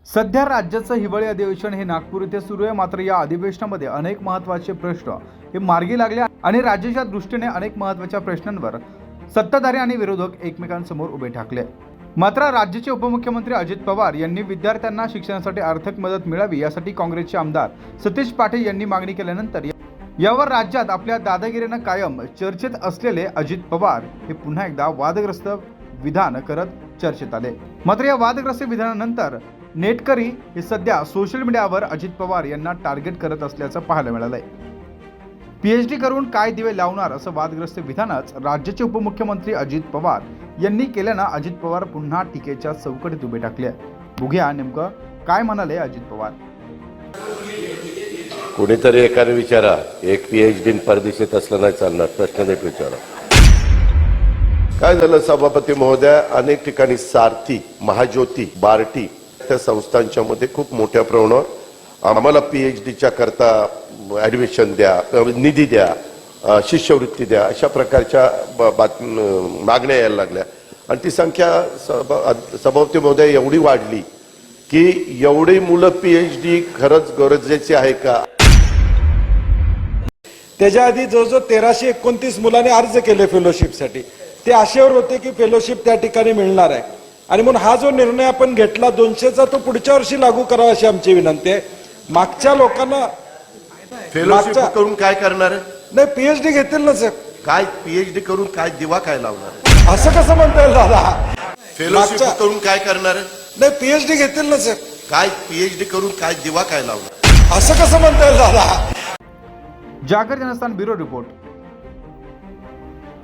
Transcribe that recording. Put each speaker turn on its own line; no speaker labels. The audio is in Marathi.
सध्या राज्याचं हिवाळी अधिवेशन हे नागपूर येथे सुरू आहे। मात्र या अधिवेशनामध्ये अनेक महत्त्वाचे प्रश्न हे मार्गी लागले आणि राज्याच्या दृष्टीने अनेक महत्त्वाच्या प्रश्नांवर सत्ताधारी आणि विरोधक एकमेकांसमोर उभे ठाकले। मात्र राज्याचे उपमुख्यमंत्री अजित पवार यांनी विद्यार्थ्यांना शिक्षणासाठी आर्थिक मदत मिळावी यासाठी काँग्रेसचे आमदार सतीश पाटील यांनी मागणी केल्यानंतर यावर राज्यात आपल्या दादागिरीनं कायम चर्चेत असलेले अजित पवार हे पुन्हा एकदा वादग्रस्त विधान करत चर्चेत आले। मात्र या वादग्रस्त विधानानंतर नेटकरी हे सध्या सोशल मीडियावर अजित पवार यांना टार्गेट करत असल्याचं पाहायला मिळालंय। पीएचडी करून काय दिवे लावणार असं वादग्रस्त विधानच राज्याचे उपमुख्यमंत्री अजित पवार यांनी केल्यानं अजित पवार पुन्हा टीकेच्या चौकटीत उभे टाकले। बघूया नेमकं काय म्हणाले अजित पवार।
कोणीतरी एकाने विचारा, एक पीएचडी परदेशात असलं नाही चालणार, प्रश्न नीट विचारा। काय झालं सभापती महोदय, अनेक ठिकाणी सारथी, महाज्योती, बार्टी त्या संस्थांच्या मध्ये खूप मोठ्या प्रमाणावर आम्हाला पीएचडीच्या करता ॲडमिशन द्या, निधी द्या, शिष्यवृत्ती द्या, अशा प्रकारच्या मागण्या यायला लागल्या आणि ती संख्या सभापती महोदय एवढी वाढली की एवढी मुलं पीएचडी खरंच गरजेची आहे का।
त्याच्या आधी जवळजवळ 1329 मुलांनी अर्ज केले फेलोशिपसाठी। ते आशेवर होते की फेलोशिप त्या ठिकाणी मिळणार आहे आणि म्हणून हा जो निर्णय आपण घेतला 200चा तो पुढच्या वर्षी लागू करावा अशी आमची विनंती आहे। मागच्या लोकांना
फेलोशिप करून काय करणार आहे?
नाही, पीएचडी घेतील ना सर।
काय पीएचडी करून काय दिवा काय लावणार?
असं कसं म्हणता येईल दादा?
फेलोशिप करून काय करणार आहे?
नाही, पीएचडी घेतील ना सर।
काय पीएचडी करून काय दिवा काय लावणार?
असं कसं म्हणता येईल दादा?
जागर जनस्थान ब्युरो रिपोर्ट।